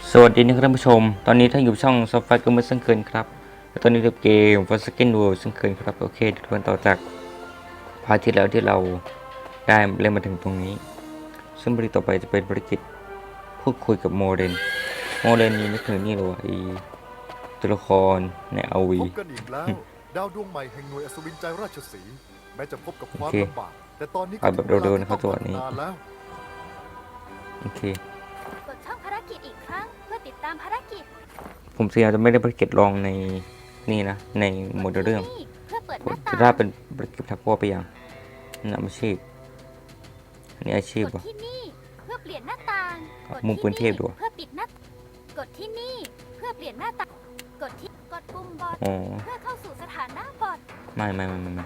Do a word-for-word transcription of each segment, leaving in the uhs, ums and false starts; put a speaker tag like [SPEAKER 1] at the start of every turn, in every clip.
[SPEAKER 1] สวัสดีนะครับท่านผู้ชมตอนนี้ท่านอยู่ช่องซอฟต์แวร์ก็มือเช่นเคยครับและตอนนี้เล่นเกม Forsaken World เช่นเคยครับโอเคทุกคนต่อจากพาร์ทที่แล้วที่เราได้เล่นมาถึงตรงนี้ซึ่งภารกิจต่อไปจะเป็นภารกิจพูดคุยกับโมเดนโมเดนนี่ไม่ถึงนี่หรอไอตัวละครในอาวี
[SPEAKER 2] พบกันอีกแล้ว ดาวดวงใหม่แห่งหน่วยอัศวินใจราชสีห์แม้จะพบกับความลำบากแต่ตอนนี้ก็ถึงเวลาที่ต้องพัฒนาแล้ว
[SPEAKER 1] โอเค
[SPEAKER 3] กดช่องภารกิจอีกครั้งเพื่อติดตามภารกิจ
[SPEAKER 1] ผมเสียจะไม่ได้ภารกิจลองในนี่นะในโมเดลเรื่อง
[SPEAKER 3] เพื่อเปิดห
[SPEAKER 1] ผม
[SPEAKER 3] น้า
[SPEAKER 1] จะ
[SPEAKER 3] ต่าง
[SPEAKER 1] ได้เป็นภารกิจทักพ่อไปอย่างนำอาชีพอันนี้อาชีพ
[SPEAKER 3] กด
[SPEAKER 1] วะ
[SPEAKER 3] ที่นี่เพื่อเปลี่ยนหน้าต่างกด
[SPEAKER 1] มุมปืนเทพดู
[SPEAKER 3] เพื่อปิดหน้ากดที่นี่เพื่อเปลี่ยนหน้าต่างกดที่กดปุ่มบอท
[SPEAKER 1] อ๋อ
[SPEAKER 3] เพื่อเข้าสู่สถานะบอท
[SPEAKER 1] ไม่ไม่ไม่ไม่ไม่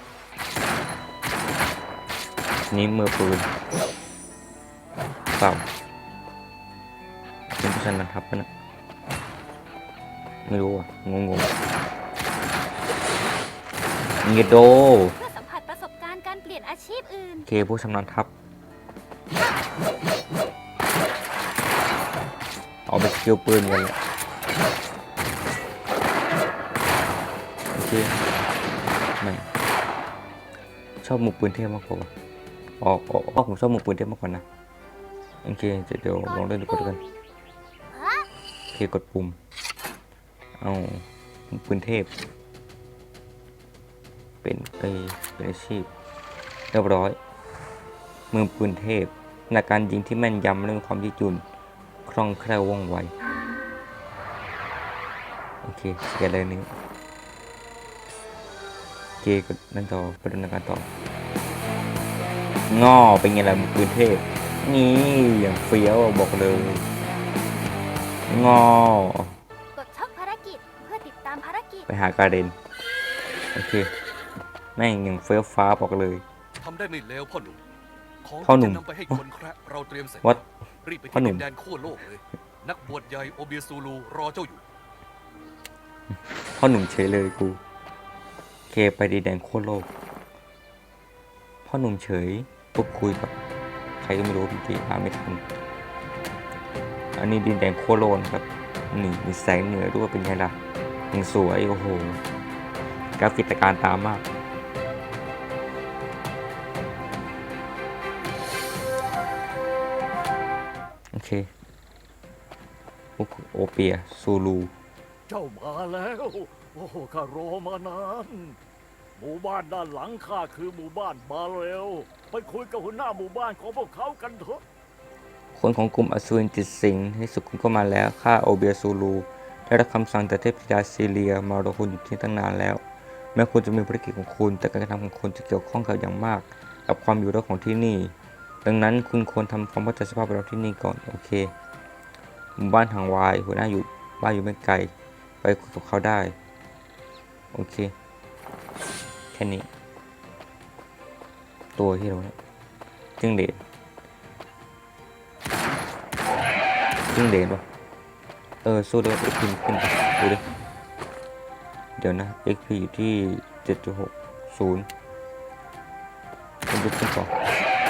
[SPEAKER 1] นี่มือปืนเปล่าเป็นผู้ชันนะครับปะนะไม่รู้อ่ะงงงเงโด
[SPEAKER 3] เพื่อสัมผัสประสบการณ์การเปลี่ยนอาชีพอื่น
[SPEAKER 1] เคผู้ชำนาญทัพเอาไปสกิลปืนกันเลยโอเคไม่ชอบมือปืนเทพมากกว่าออกออกออกผมชอบมือปืนเทพมากกว่านะโอเคเดี๋ยวลองเล่นดูก่อนกันโอเคกดปุ่มเอามือปืนเทพเป็นเอเป็นอาชีพเรียบร้อยมือปืนเทพในการยิงที่แม่นยำและมีความยืดหยุ่นคล่องแคล่วว่องไวโอเคเกียร์อะไรนี้โอเคก็นั่นต่อไปดำเนินการต่องอเป็นไงล่ะมือปืนเทพนี่อย่างเฟี้ยวบอกเลยงอก
[SPEAKER 3] ดช่องภารกิจเพื่อติดตามภารกิจ
[SPEAKER 1] ไปหาการเดนโอเคแม่งอย่างเฟี้ยวฟ้าบอกเลย
[SPEAKER 4] ทำได้ไม่เลวพ่อหนุ่ม ของ
[SPEAKER 1] พ่อหนุ่
[SPEAKER 4] ที่
[SPEAKER 1] ม
[SPEAKER 4] จะนำไปให้คนแคระเราเตรียมเสร็จ
[SPEAKER 1] What?
[SPEAKER 4] รีบไป
[SPEAKER 1] พ่อ
[SPEAKER 4] ที่
[SPEAKER 1] หนุ่
[SPEAKER 4] ดิ
[SPEAKER 1] ม
[SPEAKER 4] นแดนขั้วโลกเลย นักบวชใหญ่โอเบียซูลูรอเจ้าอยู่
[SPEAKER 1] พ่อหนุ่มเฉยเลยกูเคไปดีแดนโคตรโลกพ่อหนุ่มเฉยพูดคุยกับใครก็ไม่รู้พี่กีอ่านไม่ทันอันนี้ดินแดนโคตรโลกนะครับนี่มีแสงเหนือด้วยเป็นไงล่ะยังสวยโอ้โหกราฟิกตะการตามมากโอเคโอเปียซูลู
[SPEAKER 5] เจ้ามาแล้ว โอ้ข้ารอมานาน หมู่บ้านด้านหลังข้าคือหมู่บ้านบาเรลไปคุยกับหัวหน้าหมู่บ้านของพวกเขากันเถอะ
[SPEAKER 1] คนของกลุ่มอสูรจิตสิงห์ในสุดคุณก็มาแล้วข้าโอเบียซูลูได้รับคำสั่งจากเทพธิดาซีเลียมารอคุณอยู่ที่ตั้งนานแล้วแม้คุณจะมีภารกิจของคุณแต่การกระทำของคุณจะเกี่ยวข้องกับอย่างมากกับความอยู่รอดของที่นี่ดังนั้นคุณควรทำความเข้าใจสภาพแวดล้อมที่นี่ก่อนโอเคหมู่บ้านทางวายหัวหน้าอยู่บ้านอยู่ไม่ไกลไปคุยกับเขาได้โอเคแค่นี้ตัวที่เราเนี่ยจึงเดชจึงเดชวะเออสู้ด้วย เอ็กซ์ พี ขึ้นไปดูดิเดี๋ยวนะ เอ็กซ์ พี อยู่ที่ เจ็ดจุดหกศูนย์ ผมดูขึ้นก่อน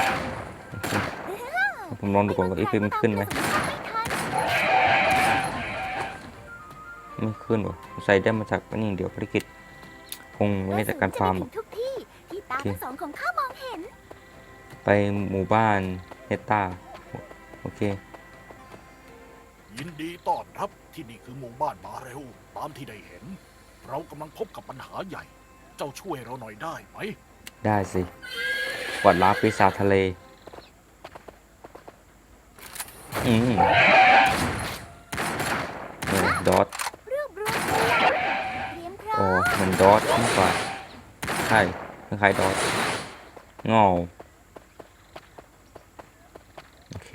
[SPEAKER 1] ผมลองดูก่อนว่า เอ็กซ์ พี มันขึ้นไหมไม่ขึ้นวะใส่ได้มาจากนี่เดี๋ยวภารกิจคงไม่ได้จากการฟาร์มหรอก
[SPEAKER 3] ทุกที่ที่ตาทั้งสองของข้ามองเห็น
[SPEAKER 1] ไปหมู่บ้านเนต้าโอเค
[SPEAKER 5] ยินดีต้อนรับที่นี่คือหมู่บ้านบาเรลตามที่ได้เห็น เรากำลังพบกับปัญหาใหญ่ เจ้าช่วยเราหน่อยได้ไหม
[SPEAKER 1] ได้สิกวาดล้างปีศาจทะเลอืมเนี่ยดอท
[SPEAKER 3] รวบรวมพลังเตรียมพร้อ
[SPEAKER 1] โอ้
[SPEAKER 3] ม
[SPEAKER 1] เหมือนดอทมากกว่าใช่คล้ายๆดอทงอโอเค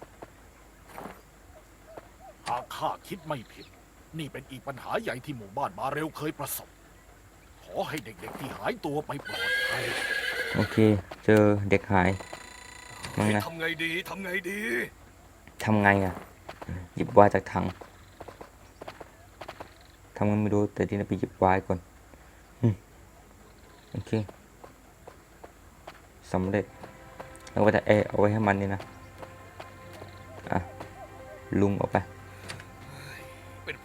[SPEAKER 5] หากข้าคิดไม่ผิด นี่เป็นอีกปัญหาใหญ่ที่หมู่บ้านบาเรลเคยประสบ ขอให้เด็กๆที่หายตัวไปปลอดภัย
[SPEAKER 1] โอเค เจอเด็กหายมั้งนะ
[SPEAKER 4] ทำไงดี ทำไงดี
[SPEAKER 1] ทำไงอ่ะ หยิบวายจากถังทำไงไม่รู้แต่ที่นี่ไปหยิบวายก่อนอืมโอเคสำเร็จแล้วก็จะเอเอาไว้ให้มันนี่นะอ่ะลุงออกไป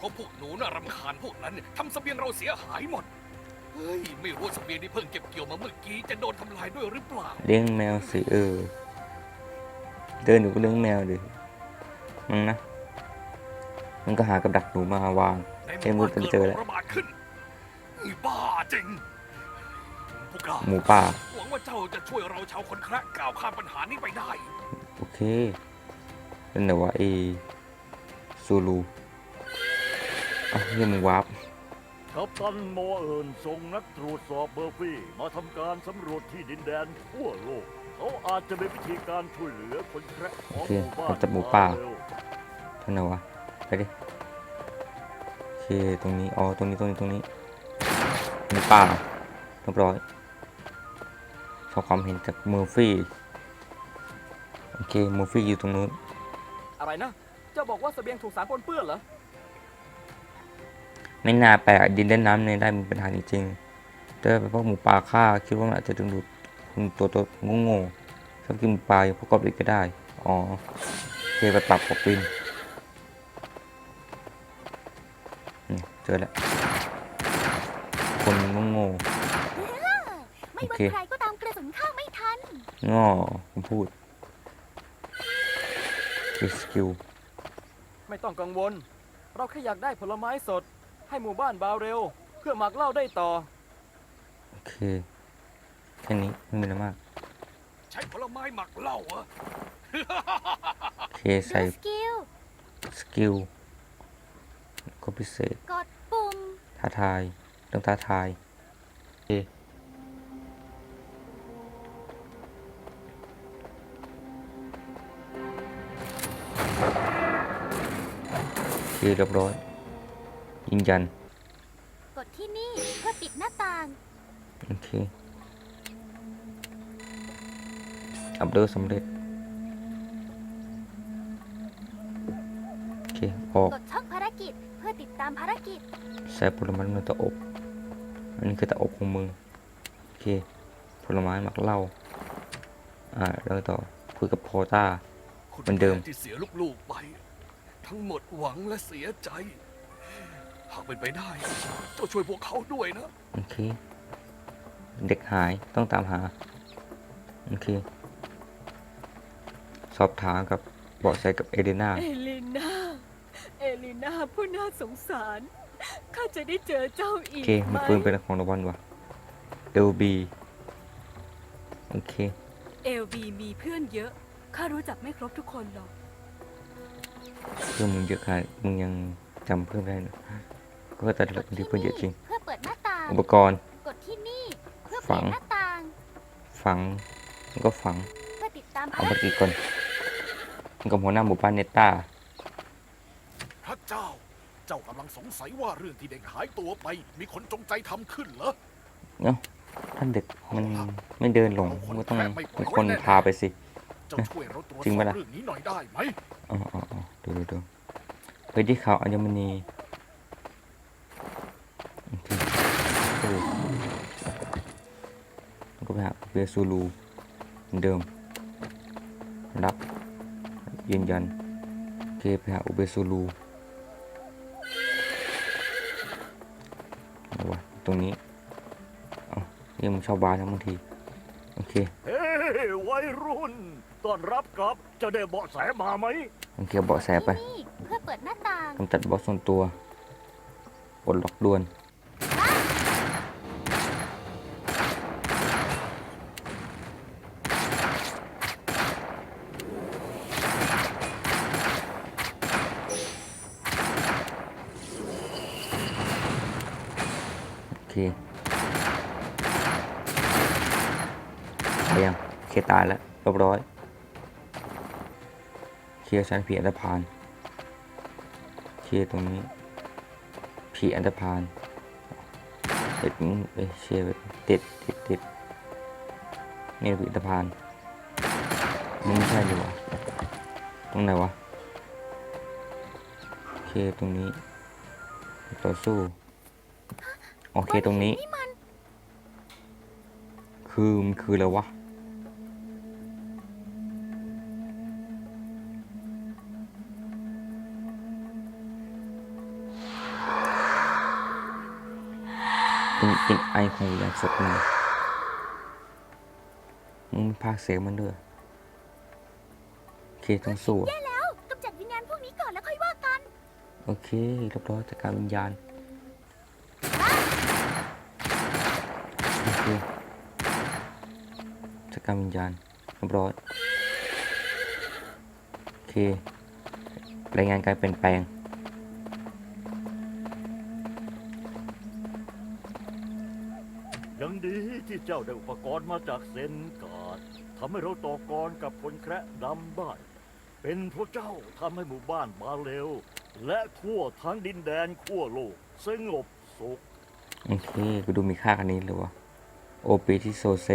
[SPEAKER 4] ราะพวกหนูน่ารำคาญพวกนั้นทำเสบียงเราเสียหายหมด เฮ้ย ไม่รู้ว่าเสบียงที่เพิ่งเก็บเกี่ยวมาเมื่อกี้จะโดนทำลายด้วยหรือเปล่า
[SPEAKER 1] เลี้ยงแมวสิเออเดินอยู่ก็เลี้ยงแมวดิมันนะมันก็หากับดักหนูมาวาง
[SPEAKER 4] ในห
[SPEAKER 1] ใช้
[SPEAKER 4] มู่
[SPEAKER 1] มือ
[SPEAKER 4] บ้าน
[SPEAKER 1] ไป
[SPEAKER 4] เกิด
[SPEAKER 1] เจอ
[SPEAKER 4] โร
[SPEAKER 1] แล้ว
[SPEAKER 4] คระบาดขึ้นนี่บ้าจริงพวกเรา
[SPEAKER 1] หมูป่า
[SPEAKER 4] หวังว่าเจ้าจะช่วยเราชาวคนแคระก้าวข้ามปัญหานี้ไปได้
[SPEAKER 1] โอเคเป็นไหนวะเอซูลูอ่ะเฮียมึงวาร์ป
[SPEAKER 5] กัปตันโมเอิญส่งนักตรวจสอบเบอร์ฟี่มาทำการสำรวจที่ดินแดนทั่วโลก เขาอาจจะมีวิธีการช่วยเหลือคนแคระของหมู่บ้าน
[SPEAKER 1] โอเคจับหมูป่า
[SPEAKER 5] เร็ว
[SPEAKER 1] เท่าไหร่วะไปดิโอเคตรงนี้อ๋อตรงนี้ตรงนี้ตรงนี้หมูป่าเรียบร้อยขอความเห็นจากเมอร์ฟี่โอเคเมอร์ฟี่อยู่ตรงนู้น
[SPEAKER 6] อะไรนะ เจ้าบอกว่าเสบียงถูกสารปนเปื้อนเหรอ
[SPEAKER 1] ไม่น่าแปลกดินเล่นน้ำในได้มีปัญหาจริงๆแต่เป็นพวกหมูป่าฆ่าคิดว่ามันอาจจะดึงดูดคุณตัวตัวโง่ๆชอบกินหมูป่าอย่างพวกกอบลิกก็ได้อ๋อโอเคไปปรับกบลินนี่เจอแล้วคนโง่
[SPEAKER 3] ไม่
[SPEAKER 1] โอ
[SPEAKER 3] ว่า
[SPEAKER 1] เค
[SPEAKER 3] ใครก็ตามกระสุนเข้าไม่ทัน
[SPEAKER 1] ๆง้อผมพูดสกิล
[SPEAKER 6] ไม่ต้องกังวล เราแค่อยากได้ผลไม้สด ให้หมู่บ้านบาวเร็ว เพื่อหมักเหล้าได้ต่อ
[SPEAKER 1] โอเคแค่นี้ไม่มีอะไรมาก
[SPEAKER 4] ใช้ผลไม้หมักเหล้าเหรอ
[SPEAKER 1] โอเค
[SPEAKER 3] ดู
[SPEAKER 1] ใส่
[SPEAKER 3] สกิล
[SPEAKER 1] สกิลก็พิเศษ
[SPEAKER 3] กดปุ่ม
[SPEAKER 1] ท้าทายต้องท้าทายโอเคโอเคเรียบร้อยยืนยัน
[SPEAKER 3] กดที่นี่เพื่อปิดหน้าต่าง
[SPEAKER 1] โอเคอัปเดตสำเร็จโอเคออก
[SPEAKER 3] กดช่องภารกิจเพื่อติดตามภารกิจ
[SPEAKER 1] ใส่ผลไม้ในเตาอบอันนี้คือเตาอบของมึงโอเคผลไม้หมักเหล้าอ่าแล้วต่อคุยกับโพต้า
[SPEAKER 4] คุณ
[SPEAKER 1] เหมือนเดิม
[SPEAKER 4] แที่เสียลูกๆไป ทั้งหมดหวังและเสียใจ หากเป็นไปได้ เจ้าช่วยพวกเขาด้วยนะ
[SPEAKER 1] โอเคเด็กหายต้องตามหาโอเคสอบถามกับเบาะแสกับเอเดนา
[SPEAKER 7] เอลิน่า เอลิน่าผู้น่าสงสาร ข้าจะได้เจอเจ้าอี
[SPEAKER 1] โอก เค
[SPEAKER 7] ไหม
[SPEAKER 1] มีปืนเป็นของรางวัลว่ะเอลบีโอเค
[SPEAKER 7] เอลบีมีเพื่อนเยอะ ข้ารู้จักไม่ครบทุกคนหรอก
[SPEAKER 1] เพื่อนมึงเยอะขนาดมึงยังจำเพื่อนไม่ได้เนอะก็แต่ละคนที่เพื่อนเยอะจริง
[SPEAKER 3] เพื่อเปิดหน้าต่าง
[SPEAKER 1] อุปกรณ์
[SPEAKER 3] กดที่นี่เพื่อ
[SPEAKER 1] ฝั
[SPEAKER 3] เปิด
[SPEAKER 1] ง
[SPEAKER 3] หน้าต่าง
[SPEAKER 1] ฝังแล้วก็ฝัง
[SPEAKER 3] เพื่อติดตาม
[SPEAKER 1] เอา
[SPEAKER 3] ภาร
[SPEAKER 1] ไป
[SPEAKER 3] กิจ
[SPEAKER 1] กี่คนมันกับหัวหน้าหมู่บ้านเนต้า
[SPEAKER 2] พระเจ้า เจ้ากำลังสงสัยว่าเรื่องที่เด็กหายตัวไป มีคนจงใจทำขึ้นเหรอ
[SPEAKER 1] เนาะท่านเด็กมันไม่เดินหลงก็ต้องมีคนพาไปสิ
[SPEAKER 2] เจ้าช่วยเราตรวจ
[SPEAKER 1] จริง
[SPEAKER 2] สอ
[SPEAKER 1] ปะ
[SPEAKER 2] บ
[SPEAKER 1] ล่ะ
[SPEAKER 2] เรื่องนี้หน่อยได้ไหม
[SPEAKER 1] อ๋ออ๋ออ๋อดูดูดูไปที่เขาอัญมณีโอเคโอ้แล้วก็ไปหาเวซูลูเหมือนเดิม รับ ยืนยันโอเคไปหาอุเบซูลูเอาวะตรงนี้เอ้ายังมึงชอบบ้านนะบางที โอเค
[SPEAKER 5] เฮ้ยวัยรุ่น ต้อนรับกลับ จะได้เบาะแสมาไหม
[SPEAKER 1] โอเคเบาะแสไป
[SPEAKER 3] ที่นี่เพื่อเปิดหน้าต่าง
[SPEAKER 1] กำจัดบอสส่วนตัวปลดล็อกด่วน โอเคไปยังเคตายแล้วเรียบร้อยเคลียร์ชั้นผีอันธพาลเคลียร์ตรงนี้ผีอันธพาลติดเอ้ยเชียร์ไปติดติดติดนี่ผีอันธพาลนี่ไม่ใช่ดีกว่าตรงไหนวะโอเคตรงนี้ต่อสู้โอเคตรงนี้
[SPEAKER 3] นี่มัน
[SPEAKER 1] คือมันคืออะไรวะเป็นเป็นไอของวิญญาณสดนี่มึงมีภาคเสียงมันด้วยโอเคต้องสู้
[SPEAKER 3] แย่แล้วกำจัดวิญญาณพวกนี้ก่อนแล้วค่อยว่ากัน
[SPEAKER 1] โอเคเรียบร้อยจัดการวิญญาณโอเคจัดการวิญญาณเรียบร้อยโอเครายงานการเปลี่ยนแปลง
[SPEAKER 5] ยังดีที่เจ้าได้อุปกรณ์มาจากเซนการ์ดทำให้เราต่อกรกับคนแคระดำได้ เป็นเพราะเจ้าทำให้หมู่บ้านบาเรลและทั่วทั้งดินแดนขั้วโลกสงบสุข
[SPEAKER 1] โอเคกูดูมีค่าคันนี้เลยวะโอปีที่โซเซ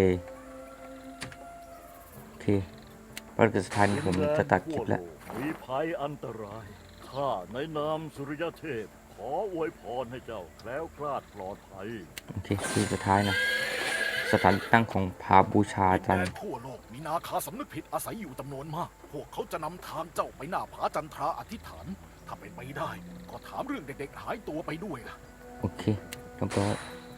[SPEAKER 1] โอเคปฏิสถานผมจะตัดคลิปแล้ว
[SPEAKER 5] มีภัยอันตราย ข้าในนามสุริยเทพ ขออวยพรให้เจ้าแคล้วคลาดปลอดภัย
[SPEAKER 1] โอเคคือสุดท้ายนะสถานตั้งของพาบูชาจันท
[SPEAKER 4] แด
[SPEAKER 1] ร์
[SPEAKER 4] นทั่วโลกมีนาคาสำนึกผิดอาศัยอยู่จำนวนมาก พวกเขาจะนำทางเจ้าไปหน้าผาจันทราอธิษฐาน ถ้าเป็นไปได้ ก็ถามเรื่องเด็กๆหายตัวไปด้วยล่ะ
[SPEAKER 1] โอเคเรียบร้อย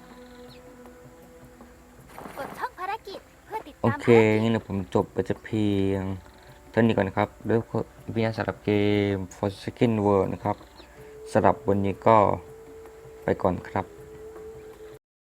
[SPEAKER 3] กดช่องภารกิจเพื่อติด
[SPEAKER 1] โอ
[SPEAKER 3] ตาม
[SPEAKER 1] เคงั้นเดี๋ยวผมจบไปจะเพียงเท่านี้ก่อนนะครับด้วยวิญญาณสำหรับเกม Forsaken World นะครับสำหรับวันนี้ก็ไปก่อนครับ